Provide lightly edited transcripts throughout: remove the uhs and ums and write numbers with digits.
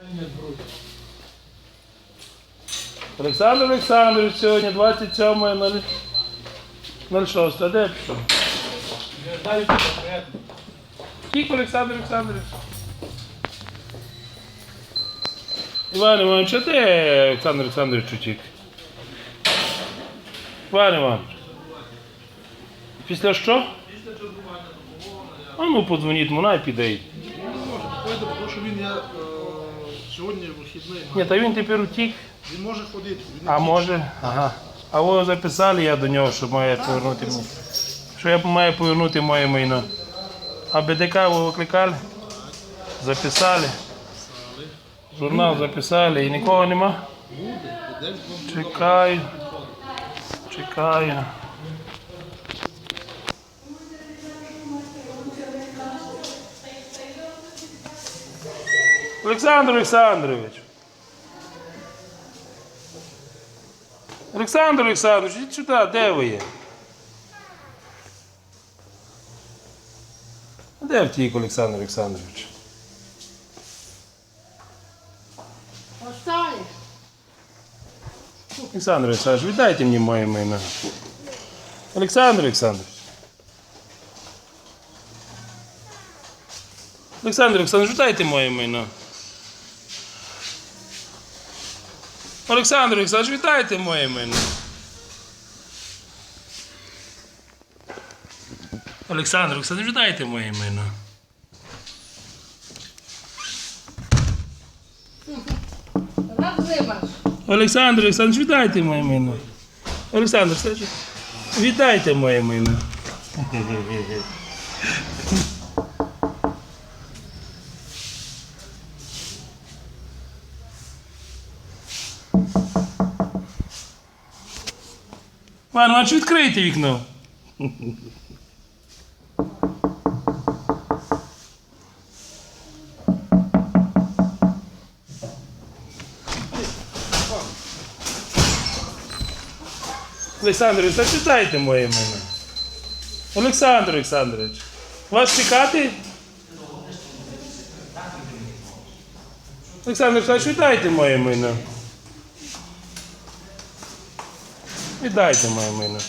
Олександр Олександрович, сьогодні 27.06. А де пішов? Тільки Олександр Олександрович. Іван Іванович, а де Олександр Олександрович утік? Іван Іванович. Після що? Після чергування допомоги. А ну подзвоніть, вона піде. Він не може поїде, тому що він є сьогодні вихідний. Ні, та він тепер утік. Він може ходити. Він А може? Ага. А ви записали я до нього, що має повернути мені. Що я маю повернути моє майно. А БДК ви викликали? Записали. Журнал записали і нікого нема? Чекаю. Чекаю. Олександр Олександрович. Олександр Олександрович, ідіть сюди, де ви є? Де втік Олександр Олександрович? Оставиш. Олександр Олександрович, віддайте мені моє майно. Олександр Олександрович. Олександр Олександрович, віддайте моє майно. Олександр Олександрович, віддайте моє майно. Олександр Олександрович, віддайте моє майно. Розимаш. Олександр Олександрович, віддайте моє майно. Олександр Олександрович, віддайте моє майно. Пане, а чи відкрийте вікно? Олександр Олександрович, читайте моє ім'я. Олександр Олександрович, вас чекати? Олександр Олександрович, віддайте моє майно. Віддайте моє майно.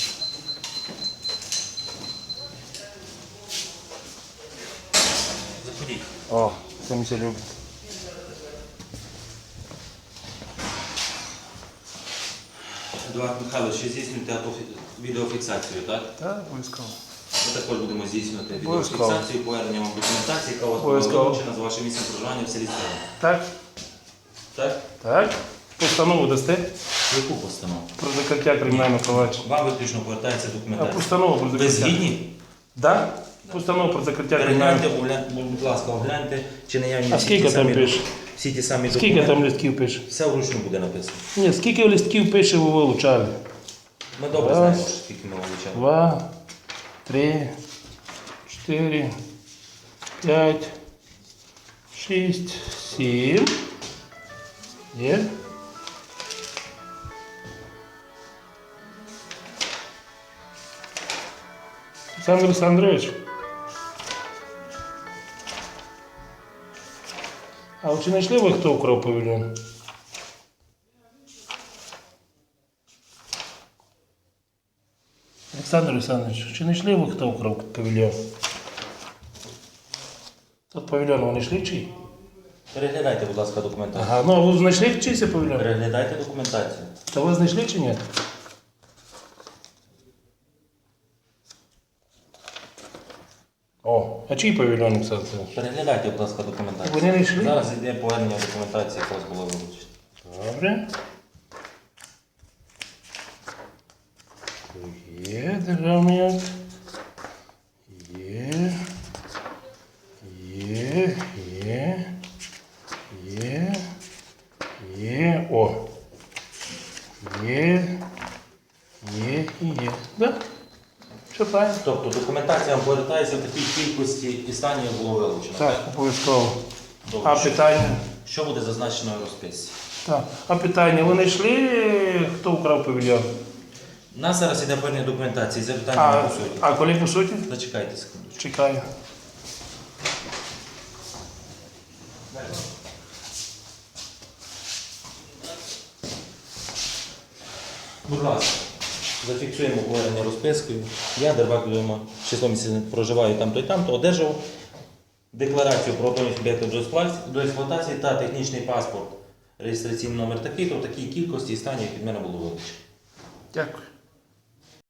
Заходіть. О, це ми все любимо. Едуард Михайлович, ще здійснюєте відеофіксацію, так? Так, обов'язково. Ми також будемо здійснювати Обов'язково. відеофіксацію, повернення вам документації, яка у вас була Обов'язково. вилучена з вашим місцем проживання в селі Стрела. Так? Так? Так. Постанову дасте Яку постанову? про закриття кримінального провадження. Вам виключно повертається А документація. постанову про Ви закриття. згідні? Так? Постанову про закриття Перегляньте, кримінального. будь ласка, огляньте, чи наявні А всі скільки ті там самі- пише? всі ті самі Скільки документи. там листків пише? Все вручну буде написано. Ні, скільки листків пише ви вилучали? Ми добре Раз. знаємо, скільки ми вилучали. 2, 3, 4, 5, 6, 7. Є? Олександр Олександрович. А ви чи знайшли ви, хто вкрав павільйон? Олександр Олександрович, чи знайшли ви, хто вкрав павільйон? Тут павільйон вони йшли чий? Переглядайте, будь ласка, документацію. Ага, ну ви знайшли чийся павільйон? Переглядайте документацію. Та ви знайшли чи ні? О, а чий павільйон, Олександр Олександрович? Переглядайте, будь ласка, документацію. Вони не йшли? Зараз йде повернення документації, яка у вас була вилучена. Добре. Є державний акт. Є. Є. Є. Є. Є. О. Є. Є і є. Да? Все правильно? Тобто документація вам повертається в такій кількості і стані, як було вилучено. Так, обов'язково. Добре. А питання? Що буде зазначено в розписці? Так. А питання, ви знайшли, хто вкрав павільйон? У нас зараз йде повернення документації, запитання по суті. А коли по суті? Зачекайте секунду. Чекаю. Будь ласка, зафіксуємо обговорення розпискою. Я, Дербак Людмила, число місяців проживаю там-то і там-то, одержав декларацію про готовність об'єкту до експлуатації та технічний паспорт, реєстраційний номер такий-то, в такій кількості і стані, як від мене було вилучено. Дякую.